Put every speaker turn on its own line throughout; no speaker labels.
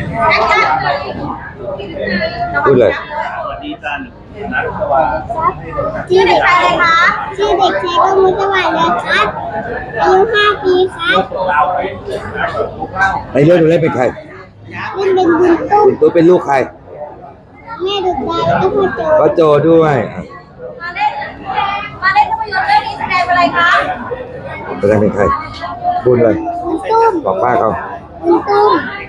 พูดเลย
ชื่อเด็กชายอะไรคะชื่อเด็กชายกมุสวัสดิ์นะครับอายุ5 ปีครับ
ในเรื่องหนูเล่นเป็นใคร
เล่นเป็นบุญตุ้ม
คุณตัวเป็นลูกใคร
แม่ดุดาแล้วก็พ่อโจ
พ่อโจด้วย
มาเล่นภาพยนตร์เรื่องนี้แสดงเป็นอะไรคะ
แสดงเป็นใครพูดเลย
บุญตุ้ม
บอกป้าเขา
บุญตุ้ม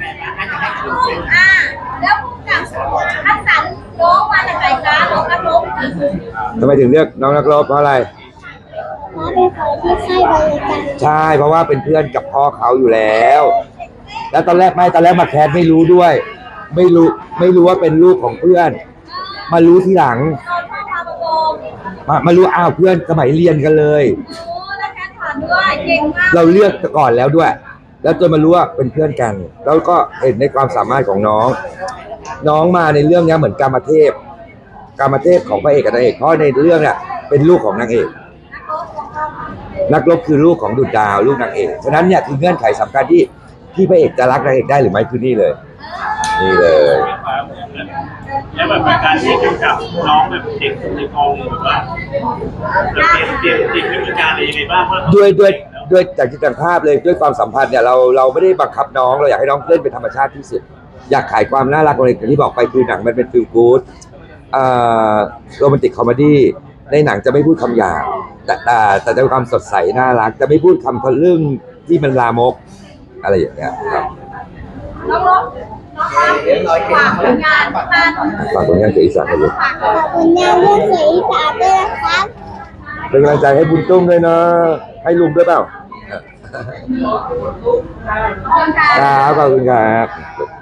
แล้วผู้กับคัดสรรน้องมาจากไหนคะน้องนักรบ
ทำไมถึงเลือกน้องนักรบเพราะอะไร
เพราะเป็นคนที่ค่ายบริการ
ใช่เพราะว่าเป็นเพื่อนกับพ่อเขาอยู่แล้ว แล้วตอนแรกมาแคสไม่รู้ด้วย ไม่รู้ว่าเป็นลูกของเพื่อนมารู้ทีหลัง
ตอนพ่อพามาบอก
มารู้อ้าวเพื่อนสมัยเรียนกันเลย
โอ้แล้วแค่ผ่านด้วยเก่งมาก
เราเลือกก่อนแล้วด้วยแล้วจนมารู้ว่าเป็นเพื่อนกันแล้วก็เห็นในความสามารถของน้องมาในเรื่องนี้เหมือนกามเทพของพระเอกกับนางเอกเพราะในเรื่องเนี่ยเป็นลูกของนางเอกนักรบคือลูกของดุจดาวลูกนางเอกฉะนั้นเนี่ยคือเงื่อนไขสำคัญที่พระเอกจะรักนางเอกได้หรือไม่คือนี่เลย
แล้วแบบการที่เกี่ยวกับน้องแบบเด็กในกองแบบว่าเตรียมวิธีการอะไรยังไงบ้าง
ด้วยจากจิตภาพเลยด้วยความสัมพันธ์เนี่ยเราไม่ได้บังคับน้องเราอยากให้น้องเล่นเป็นธรรมชาติที่สุดอยากขายความน่ารักอะไรที่บอกไปคือหนังมันเป็นฟีลกู๊ดโรแมนติกคอมเมดี้ในหนังจะไม่พูดคำหยาบแต่จะมีความสดใสน่ารักจะไม่พูดคำทะลึ่งที่มันลามกอะไรอย่างเงี้ยครับ
น้องรบฝากผลงานบ้าน
ฝากผลงานเสียอีสานเลย
ฝากผลงานเรื่องเสียอีสานด้วยนะครับ
เป็นกำลังใจให้บุญตุ้มด้วยนะให้ลุงด้วยเปล่าครับขอบคุณครับ